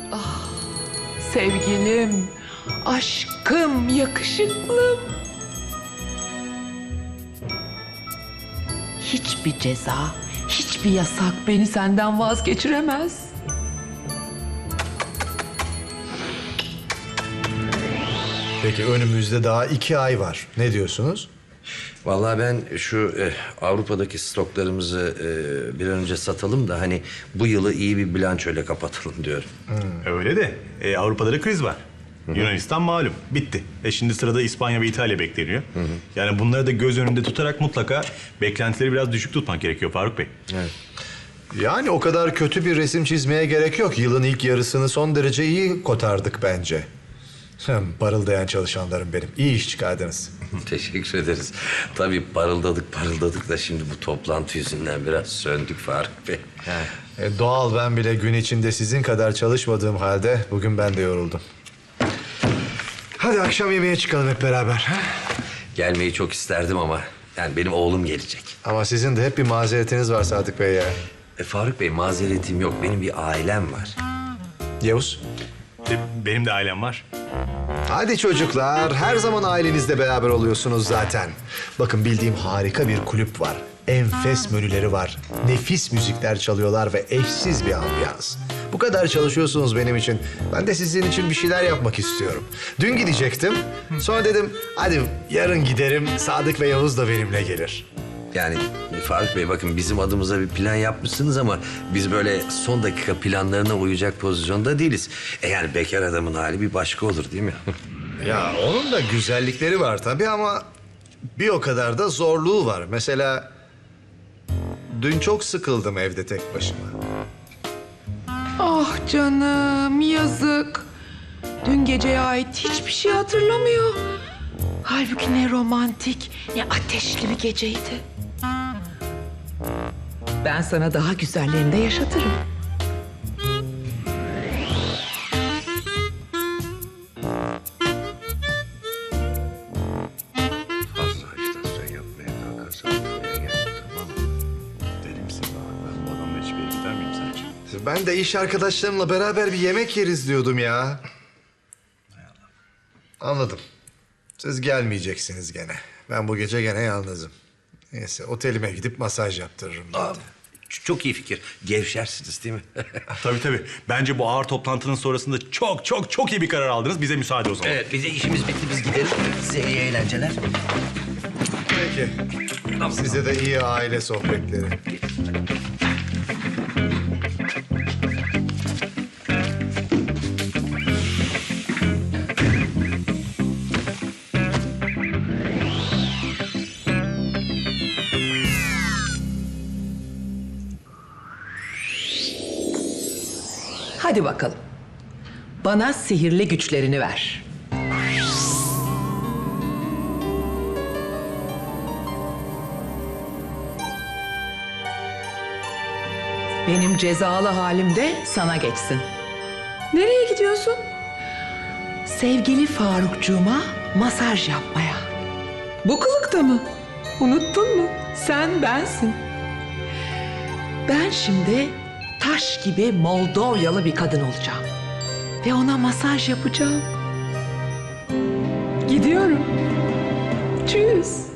Sevgilim, aşkım, yakışıklım. Hiçbir ceza, hiçbir yasak beni senden vazgeçiremez. Peki önümüzde daha 2 ay var. Ne diyorsunuz? Vallahi ben şu Avrupa'daki stoklarımızı bir an önce satalım da hani bu yılı iyi bir bilançoyla kapatalım diyorum. Öyle de Avrupa'da da kriz var. Yunanistan malum bitti. Şimdi sırada İspanya ve İtalya bekleniyor. Yani bunları da göz önünde tutarak mutlaka beklentileri biraz düşük tutmak gerekiyor Faruk Bey. Evet. Yani o kadar kötü bir resim çizmeye gerek yok. Yılın ilk yarısını son derece iyi kotardık bence. Parıldayan çalışanlarım benim. İyi iş çıkardınız. Teşekkür ederiz. Tabii parıldadık da şimdi bu toplantı yüzünden biraz söndük Faruk Bey. Doğal, ben bile gün içinde sizin kadar çalışmadığım halde bugün ben de yoruldum. Hadi akşam yemeğe çıkalım hep beraber. Gelmeyi çok isterdim ama yani benim oğlum gelecek. Ama sizin de hep bir mazeretiniz var Sadık Bey ya. Faruk Bey mazeretim yok. Benim bir ailem var. Yavuz. Benim de ailem var. Hadi çocuklar, her zaman ailenizle beraber oluyorsunuz zaten. Bakın bildiğim harika bir kulüp var. Enfes menüleri var. Nefis müzikler çalıyorlar ve eşsiz bir ambiyans. Bu kadar çalışıyorsunuz benim için. Ben de sizin için bir şeyler yapmak istiyorum. Dün gidecektim. Sonra dedim hadi yarın giderim. Sadık ve Yavuz da benimle gelir. Yani Faruk Bey bakın bizim adımıza bir plan yapmışsınız ama biz böyle son dakika planlarına uyacak pozisyonda değiliz. Yani bekar adamın hali bir başka olur değil mi? Ya onun da güzellikleri var tabii ama bir o kadar da zorluğu var. Mesela dün çok sıkıldım evde tek başıma. Ah canım, yazık. Dün geceye ait hiçbir şey hatırlamıyor. Halbuki ne romantik, ne ateşli bir geceydi. Ben sana daha güzellerini de yaşatırım. Fazla ajitasyon yapmaya kalkarsan buraya gel, tamam mı? Deli misin ben bu adamla hiçbir yere gider miyim sence? Ben de iş arkadaşlarımla beraber bir yemek yeriz diyordum ya. Anladım. Siz gelmeyeceksiniz gene. Ben bu gece gene yalnızım. Neyse otelime gidip masaj yaptırırım. ben de. Çok iyi fikir. Gevşersiniz değil mi? Tabii. Bence bu ağır toplantının sonrasında çok iyi bir karar aldınız. Bize müsaade o zaman. Evet bize işimiz bitti biz gidelim. Size iyi eğlenceler. Peki. Size de iyi aile sohbetleri. Hadi bakalım. Bana sihirli güçlerini ver. Benim cezalı halim de sana geçsin. Nereye gidiyorsun? Sevgili Farukcuğuma masaj yapmaya. Bu kılıkta mı? Unuttun mu? Sen bensin. Ben şimdi taş gibi Moldovyalı bir kadın olacağım. Ve ona masaj yapacağım. Gidiyorum. Tschüss.